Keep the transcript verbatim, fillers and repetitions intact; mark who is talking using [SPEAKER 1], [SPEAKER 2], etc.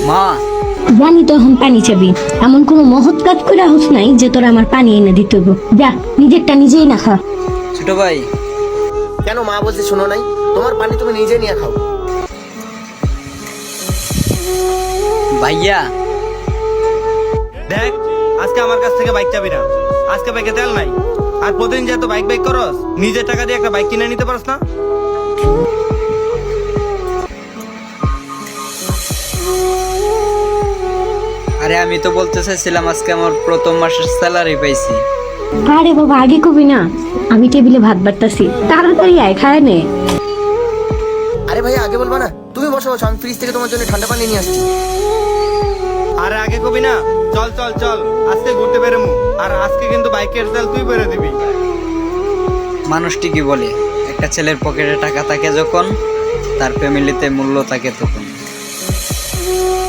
[SPEAKER 1] মা
[SPEAKER 2] জানি তো এখন পানি চাবি, এমন কোনো মহৎ কাজ করে হোস নাই যে তোরা আমার পানি এনে দিতে হইব। যা নিজেরটা নিজেই না খা।
[SPEAKER 1] ছোট ভাই
[SPEAKER 3] কেন মা বলছে শোনো নাই? তোমার পানি তুমি নিজে নিয়ে খাও।
[SPEAKER 1] ভাইয়া
[SPEAKER 4] দেখ, আজকে আমার কাছ থেকে বাইক চাবি না। আজকে বাইকে তেল নাই। আর প্রতিদিন যেহেতু বাইক বাইক করস, নিজের টাকা দিয়ে একটা বাইক কিনে নিতে পারস না?
[SPEAKER 1] আরে আমি তো বলতে চাইছিলাম আজকে আমার প্রথম মাসের স্যালারি পাইছি।
[SPEAKER 2] আরে বাবা আগে কবি না, আমি টেবিলে ভাত বাড়তাছি, তাড়াতাড়ি আয় খায় নে।
[SPEAKER 3] আরে ভাই আগে বলবা না? তুমি বসো বসো, আমি ফ্রিজ থেকে তোমার জন্য ঠান্ডা পানি নিয়ে আসছি।
[SPEAKER 4] আরে আগে কবি না, চল চল চল, আজকে ঘুরতে বেরোমু। আর আজকে কিন্তু বাইকের তেল তুই বেরো দিবি।
[SPEAKER 1] মানুষটি কি বলে, একটা ছেলের পকেটে টাকা থাকে যখন, তার ফ্যামিলিতে মূল্য থাকে তখন।